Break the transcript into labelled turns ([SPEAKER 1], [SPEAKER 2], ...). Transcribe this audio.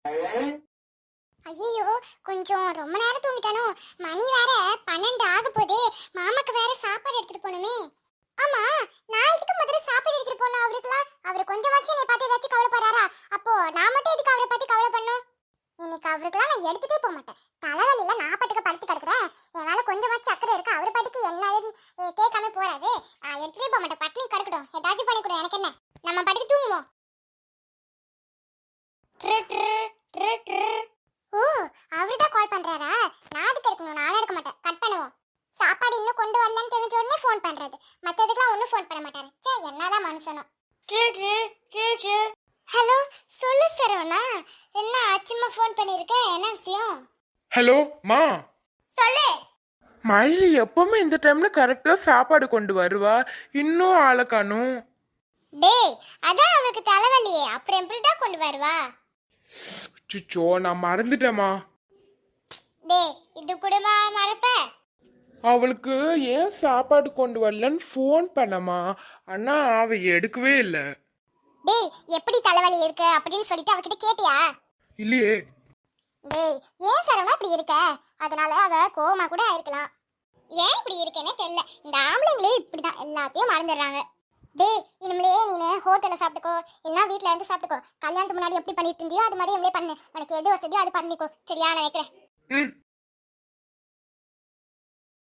[SPEAKER 1] ஐயோ, கொஞ்சம் ரொம்ப நேரம் தூங்கிட்டானோ. மணி வேற 12 ஆக போதே. மாமாக்கு வேற சாப்பாடு எடுத்துட்டு போகணுமே. ஆமா, நான் எதுக்கு முதல்ல சாப்பாடு எடுத்துட்டு போனோம் அவருக்குலாம்? அவர் கொஞ்சம் வச்சு என்னை பார்த்து ஏதாச்சும் கவலைப்படுறாரா? அப்போ நான் மட்டும் எதுக்கு அவரை பத்தி கவலை பண்ணும்? இன்னைக்கு அவருக்குலாம் நான் எடுத்துட்டே போக மாட்டேன். தலைவலியில நான் பாட்டுக்கு படுத்து கிடக்குறேன். என் மேல கொஞ்சம் வச்சு அக்கறை இருக்கு. அவர் பாட்டுக்கு என்ன கேட்காம போறாரு. நான் எடுத்துட்டே போக மாட்டேன். பட்டினி கிடக்கட்டும், ஏதாச்சும் பண்ணி கொடு, எனக்கு என்ன. நம்ம பாட்டுக்கு தூங்குவோம். ஓ, அவர்தான் கால் பண்றாரா? நான் அதுக்கு எடுக்கணும், நானும் எடுக்க மாட்டேன். கட் பண்ணுவோம். சாப்பாடு இன்னும் கொண்டு வரலன்னு தெரிஞ்ச உடனே ஃபோன் பண்றது. மத்ததுக்கெல்லாம் ஒன்றும் ஃபோன் பண்ண மாட்டாரு. சே, என்னதான் மனுஷனோ. ஹலோ, சொல்லு சரவணா. என்ன ஆச்சுமா ஃபோன் பண்ணிருக்க? என்ன விஷயம்?
[SPEAKER 2] ஹலோ மா.
[SPEAKER 1] சொல்லு.
[SPEAKER 2] மயிலி எப்பவுமே இந்த டைம்ல கரெக்டா சாப்பாடு கொண்டு வருவா, இன்னும் ஆளை காணும்.
[SPEAKER 1] டேய், அதான் அவளுக்கு தலைவலியே, அப்புறம் எப்படிடா கொண்டு வருவா?
[SPEAKER 2] சுச்சோ, நான் மறந்துட்டேமா.
[SPEAKER 1] டேய், இது கூடவா மறப்ப?
[SPEAKER 2] அவளுக்கு ஏன் சாப்பாடு கொண்டு வரலன்னு ஃபோன் பண்ணமா, ஆனா அவ எடுக்கவே இல்லை.
[SPEAKER 1] டேய், எப்படி தலைவலி இருக்கு அப்படின்னு சொல்லிட்டு அவகிட்ட கேட்டியா?
[SPEAKER 2] இல்லையே.
[SPEAKER 1] டேய், ஏன் சரவணா இப்படி இருக்க? அதனால அவ கோவமா கூட ஆயிருக்கலாம். ஏன் இப்படி இருக்கேன்னு தெரியல. இந்த ஆம்பளைங்களே இப்படிதான் எல்லாத்தையும் மறந்துடுறாங்க. டேய், இனிமேலே நீனு ஹோட்டல்ல சாப்பிட்டுக்கோ, இல்லைன்னா வீட்டுல இருந்து சாப்பிட்டுக்கோ. கல்யாணத்துக்கு முன்னாடி எப்படி பண்ணிட்டு இருந்தியோ அது மாதிரி இனிமே பண்ணு. உனக்கு எது வசதியோ அது பண்ணிக்கோ. சரியா, நான் வைக்கிறேன்.